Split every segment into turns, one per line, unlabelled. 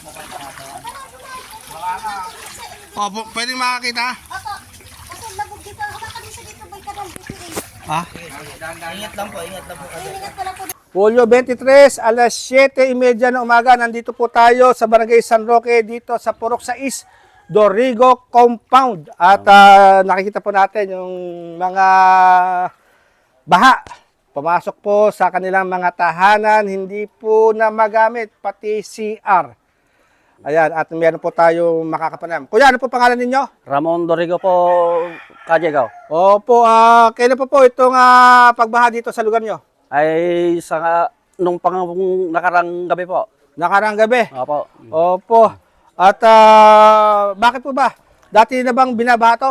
Opo, pwedeng makakita?
Opo. Kasi labog dito. Hawakan din siya dito. May kanal dito rin.
Ha?
Ingat lang po kayo.
Ingat ko lang po.
Hulyo 23, alas 7:30 ng umaga, nandito po tayo sa Barangay San Roque, dito sa Purok 6, Dorigo Compound. At nakikita po natin yung mga baha. Pumasok po sa kanilang mga tahanan, hindi po na magamit, pati CR. Ayan, at meron po tayong makakapanam. Kuya, ano po pangalan ninyo?
Ramon Dorigo po, Kajegaw.
Opo, kailan po itong pagbaha dito sa lugar nyo?
Ay nung nakarang gabi po.
Nakarang gabi?
Opo.
Opo. At bakit po ba? Dati na bang binabaha to?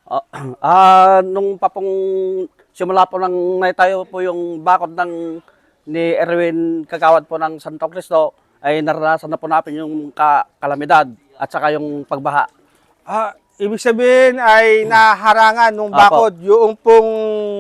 Nung simula po nang naitayo po yung bakod ni Erwin Kagawad po ng Santo Cristo, ay naranasan na po natin yung kalamidad at saka yung pagbaha.
Ibig sabihin ay naharangan nung bakod yung pong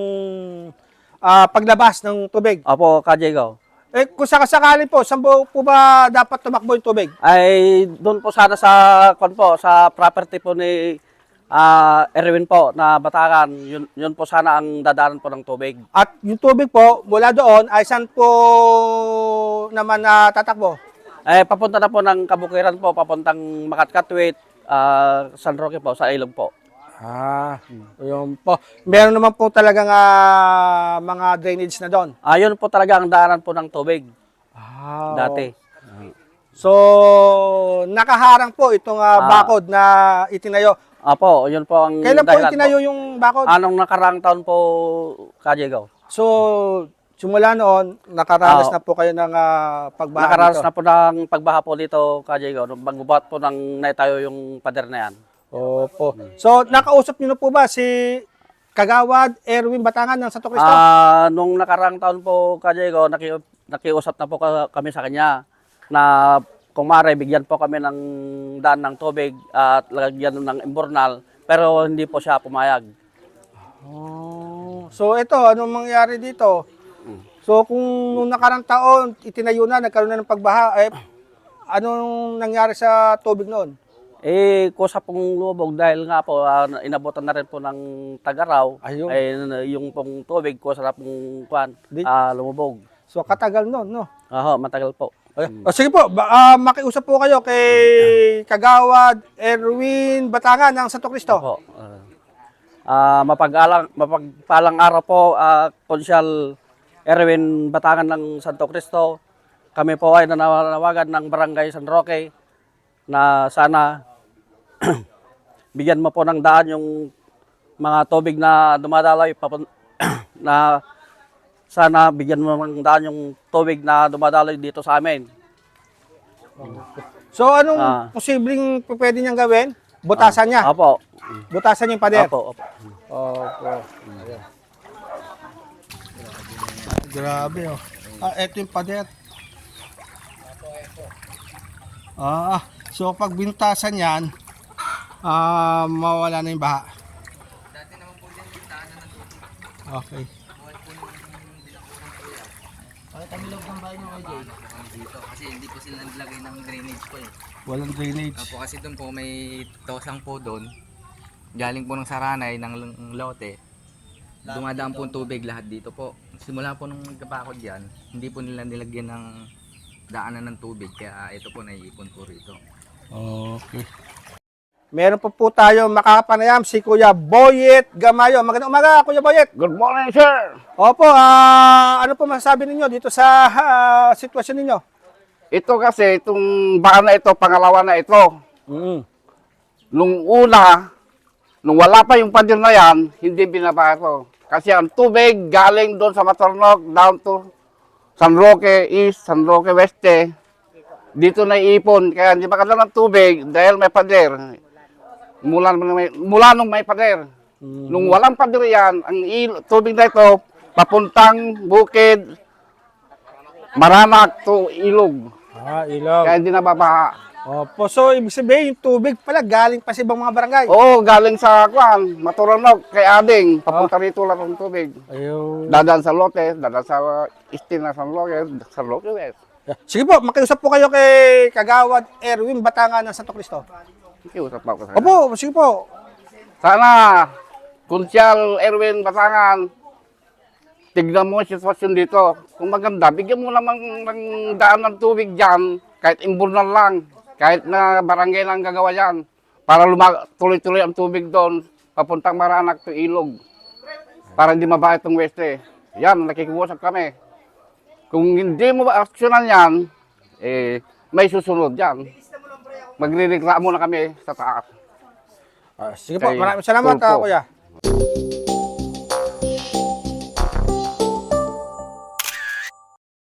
paglabas ng tubig.
Opo, Kajegaw.
Kung sakasakali po, saan po ba dapat tumakbo yung tubig?
Ay doon po sana sa property po ni Erwin po na Batakan, yun po sana ang dadaanan po ng tubig.
At yung tubig po, mula doon, ay saan po naman tatakbo?
Ay papunta na po ng Kabukiran po, papuntang Makatkatwit, San Roque po, sa ilog po.
Yun po. Meron naman po talagang mga drainage na doon.
Yun po talaga ang daanan po ng tubig dati.
So, nakaharang po itong bakod na itinayo.
Apo, yun po ang
Kailan po
dahilan
itinayo yung bakod?
Anong nakaraang taon po, Kajegaw?
So, simula noon, nakaranas na po kayo ng pagbaha
Nakaranas
dito.
na po ng pagbaha po dito, Kajegaw. Nung bagbubat po nang naitayo yung pader na yan.
Opo. So, nakausap niyo na po ba si Kagawad Erwin Batangan ng Santo Cristo?
Nung nakaraang taon po, Kajegaw, nakiusap na po kami sa kanya na kung maaari, bigyan po kami ng daan ng tubig at lagyan ng imbornal, pero hindi po siya pumayag.
So, ito, anong mangyari dito? So, kung nung nakarang taon, itinayo na, nagkaroon na ng pagbaha, anong nangyari sa tubig noon?
Kusa pong lumubog dahil nga po, inabutan na rin po ng Tagaraw,
Ayun.
yung pong tubig, kusa na pong lumubog.
So, katagal noon, no?
Matagal po.
Sige po, makiusap po kayo kay Kagawad Erwin Batangan ng Santo Cristo.
Opo. Mapagpalang araw po, Konsyal Erwin Batangan ng Santo Cristo. Kami po ay nananawagan ng Barangay San Roque na sana bigyan mo po ng daan yung mga tubig na dumadaloy na sana bigyan mo ng daan yung tubig na dumadaloy dito sa amin.
So, anong posibleng pwede niyang gawin? Butasan niya?
Opo.
Butasan niya yung pader?
Opo.
Opo. Grabe, oh. Ito yung pader. So pag binutasan yan, mawala na yung baha.
Dati naman po din yung daanan ng tubig.
Okay.
Bakit ang loob ng bahay mo kay Jay? Dito kasi hindi po sila naglagay ng drainage po eh.
Walang drainage.
Opo, kasi doon po may tosang po doon. Galing po ng Saranay ng lote. Dumadaan po ang tubig lahat dito po. Simula po nung nagkapakod yan, hindi po nila nilagyan ng daanan ng tubig. Kaya ito po naiipon po rito.
Okay. Meron po tayo makapanayam si Kuya Boyet Gamayo. Magandang umaga, Kuya Boyet.
Good morning, sir!
Opo, ano po masasabi ninyo dito sa sitwasyon ninyo?
Ito kasi, itong baka na ito, pangalawa na ito. Nung una, nung wala pa yung pader na yan, hindi binaba ito. Kasi ang tubig galing doon sa Matornok, down to San Roque East, San Roque Weste. Dito na iipon, kaya hindi makadala ng tubig dahil may pader. Mula nung may pader. Nung walang pader yan, ang tubig na ito, papuntang bukid, Maranak to Ilog.
Ilog.
Kaya hindi nababaha.
Opo, so ibig sabihin yung tubig pala galing pa sa ibang mga barangay.
Oo, galing sa Maturanok, kay Ading. Papunta rito lang ng tubig.
Ayun.
Dadaan sa Lote, dadaan sa Istina, San Roque West.
Sige po, makiusap po kayo kay Kagawad Erwin Batangan ng Santo Cristo.
Ikiusap pa ako sa kanya.
Opo, sige po.
Sana, Kunsyal Erwin Batangan, tignan mo ang sitwasyon dito. Kung maganda, bigyan mo naman ng daan ng tubig dyan, kahit imburnal lang, kahit na barangay lang gagawa yan, para tuloy-tuloy ang tubig doon, papuntang Maranak to Ilog, para hindi mabait ang Weste. Yan, nakikiusap kami. Kung hindi mo aksyonan yan, may susunod yan. Magre-reklamo na kami sa taas.
Sige po,
Kay
maraming salamat,
Tulfo.
kuya.